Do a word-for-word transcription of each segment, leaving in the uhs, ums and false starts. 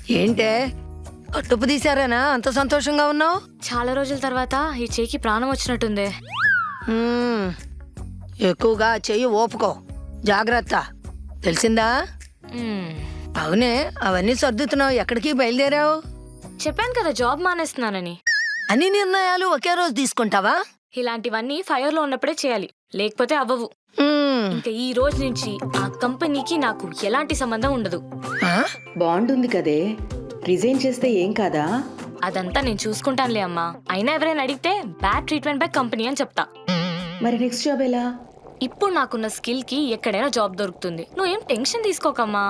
ఏంటే కట్టుపు తీశారేనా అంత సంతోషంగా ఉన్నావు? చాలా రోజుల తర్వాత ఈ చేయికి ప్రాణం వచ్చినట్టుంది. మ్మ్. ఎక్కువగా చెయ్యి ఓపుకో, జాగ్రత్త, తెలిసిందా? మ్మ్. అవునే, అవన్నీ సర్దుతున్నావు, ఎక్కడికి బయలుదేరావు? చెప్పాను కదా జాబ్ మానేస్తున్నానని. అన్ని నిర్ణయాలు ఒకే రోజు తీసుకుంటావా? ఇలాంటివన్నీ ఫైర్ లో ఉన్నప్పుడే చేయాలి, లేకపోతే అవ్వవు. మ్మ్. ఇంకా ఈ రోజు నుంచి ఆ కంపెనీకి నాకు ఎలాంటి సంబంధం ఉండదు. ఆ? బాండ్ ఉంది కదే, రిజైన్ చేస్తే ఏం కాదా? అదంతా నేను చూసుకుంటానులే అమ్మా. అయినా ఎవరైనా అడిగితే బ్యాడ్ ట్రీట్మెంట్ బై కంపెనీ అని చెప్తా. మరి నెక్స్ట్ జాబ్ ఎలా? ఇప్పుడు నాకున్న స్కిల్ కి ఎక్కడైనా జాబ్ దొరుకుతుంది. నువ్వేం టెన్షన్ తీసుకోకమ్మా.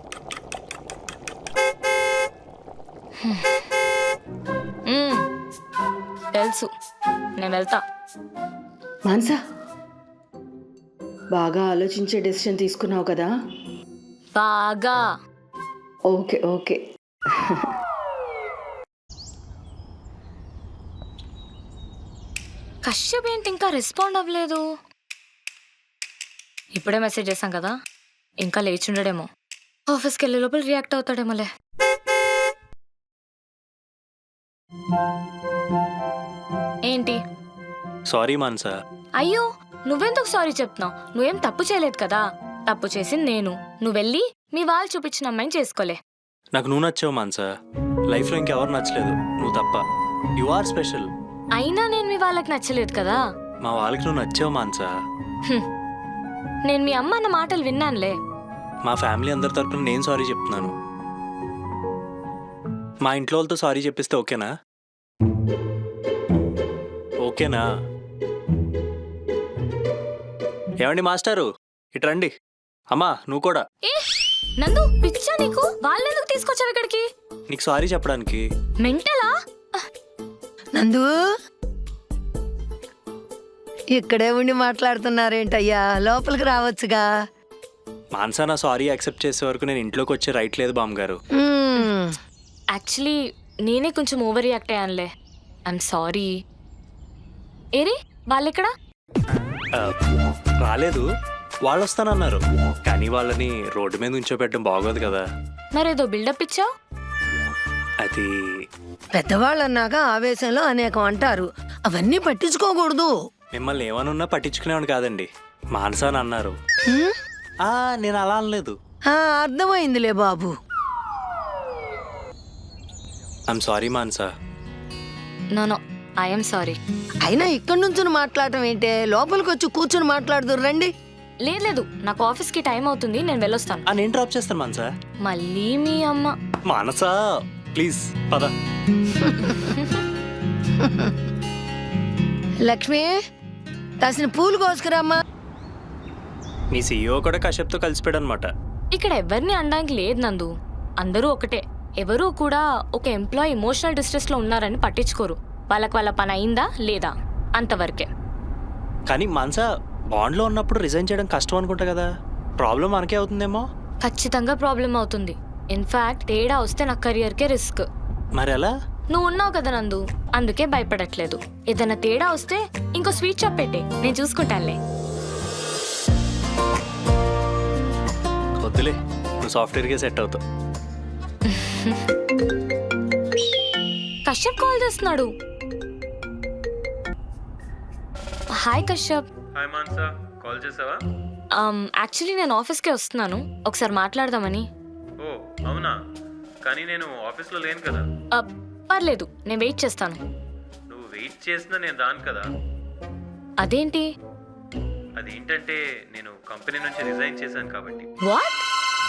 మ్మ్. తెలుసు, నేను వెళ్తా. మాన్సా, బాగా ఆలోచించే డెసిషన్ తీసుకున్నావు కదా. బాగా. Okay okay. కశ్యప్ ఏంటి ఇంకా రెస్పాండ్ అవ్వలేదు? ఇప్పుడే మెసేజ్ చేశాం కదా, ఇంకా లేచి ఉండడేమో. ఆఫీస్కి వెళ్ళే లోపల రియాక్ట్ అవుతాడేమోలే. ఏంటి? సారీ మాన్సా. అయ్యో, నువ్వెందుకు సారీ చెప్తున్నావు? నువ్వేం తప్పు చేయలేదు కదా. తప్పు చేసింది నేను. నువ్వు వెళ్ళి మీ వాళ్ళు చూపించిన అమ్మాయిని చేసుకోలే. నాకు నువ్వు నచ్చావు మాన్సా. లైఫ్లో ఇంకెవరు నచ్చలేదు, నువ్వు తప్ప. You are special. అయినా నేను మీ వాళ్ళకి నచ్చలేదు కదా. మా వాళ్ళకి నువ్వు నచ్చావు మాన్సా. హ్మ్. నేను మీ అమ్మ అన్న మాటలు విన్నానులే. మా ఫ్యామిలీ అందరి తరపున నేను సారీ చెప్తున్నాను. మా ఇంట్లో వాళ్ళతో సారీ చెప్పిస్తే ఓకేనా? ఓకేనా? ఏమండి మాస్టారు, ఇటు రండి. అమ్మా నువ్వు కూడా. ఏ నందు, పిచ్చా నీకు? వాళ్ళెందుకు తీసుకొచ్చావు ఇక్కడికి? నీకు సారీ చెప్పడానికి. మెంటలా? నందు, ఇక్కడే ఉండి మాట్లాడుతున్నారేంటయ్యా, లోపలికి రావచ్చుగా. మాన్సా నా సారీ యాక్సెప్ట్ చేసే వరకు నేను ఇంట్లోకి వచ్చే రైట్ లేదు బామ్మగారు. మ్మ్. యాక్చువల్లీ నేనే కొంచెం ఓవర్ రియాక్ట్ అయ్యానులే. I'm sorry. ఏరి వాళ్ళెక్కడా? ఆ, రాలేదు, వాళ్ళు వస్తానన్నారు. కానీ వాళ్ళని రోడ్డు మీద ఉంచోబెట్టడం బాగోదు కదా. మరేదో బిల్డప్ ఇచ్చావు. అది పెద్దవాళ్ళు అన్నాక ఆవేశంలో అనేకం అంటారు, అవన్నీ పట్టించుకోకూడదు. మిమ్మల్ని ఏమనున్నా పట్టించుకునేవాడు కాదండి. మాన్సా అని అన్నారు. మ్మ్? ఆ, నేను అలా అనలేదు. ఆ, అర్థమైందిలే బాబు. I'm sorry Mansa. No no, I'm sorry. అయినా ఇక్కడి నుంచి మాట్లాడటం ఏంటే, లోపలికి వచ్చి కూర్చుని మాట్లాడుదురు రండి. లేదు లేదు, నాకు ఆఫీస్కి టైం అవుతుంది, నేను వెళ్ళొస్తాను. ఆ, నేను డ్రాప్ చేస్తాను మాన్సా. మళ్ళీ మీ అమ్మ. మానసా ప్లీజ్ పద. లక్ష్మి, కాసిన పూలు కోసుకురామ్మా. నీ సీఈఓ కూడా కశ్యప్తో కలిసిపోయాడు అనమాట. ఇక్కడ ఎవరిని అనడానికి లేదు నందు, అందరూ ఒకటే. ఎవరూ కూడా ఒక ఎంప్లాయీ ఎమోషనల్ డిస్ట్రెస్ లో ఉన్నారని పట్టించుకోరు. వాళ్ళకి వాళ్ళ పని అయిందా లేదా అంతవరకే. కానీ మాన్సా, బాండ్లో ఉన్నప్పుడు రిజైన్ చేయడం కష్టం అనుకుంటా కదా. ప్రాబ్లం మనకే అవుతుందేమో. ఖచ్చితంగా ప్రాబ్లం అవుతుంది. ఇన్ఫాక్ట్ తేడా వస్తే నా కెరియర్కే రిస్క్. మరి ఎలా? నువ్వు ఉన్నావు కదా నందు, అందుకే భయపడట్లేదు. ఏదైనా తేడా వస్తే ఇంకో స్వీట్ షాప్ పెట్టే, నేను చూసుకుంటానులే. వద్దులే, నువ్వు సాఫ్ట్వేర్కే సెట్ అవుతావు. కశ్యప్ కాల్ చేస్తున్నాడు. Hi Kashyap. Hi Mansa, call చేసావా? యాక్చువల్లీ నేను ఆఫీస్కే వస్తున్నాను, ఒకసారి మాట్లాడదామని. ఓ అవునా, కానీ నేను ఆఫీస్లో లేను కదా. ఆ, పర్లేదు, నేను వెయిట్ చేస్తాను. నువ్వు వెయిట్ చేసినా నేను రాను కదా. అదేంటి? అదేంటంటే నేను కంపెనీ నుంచి రిజైన్ చేశాను కాబట్టి. వాట్?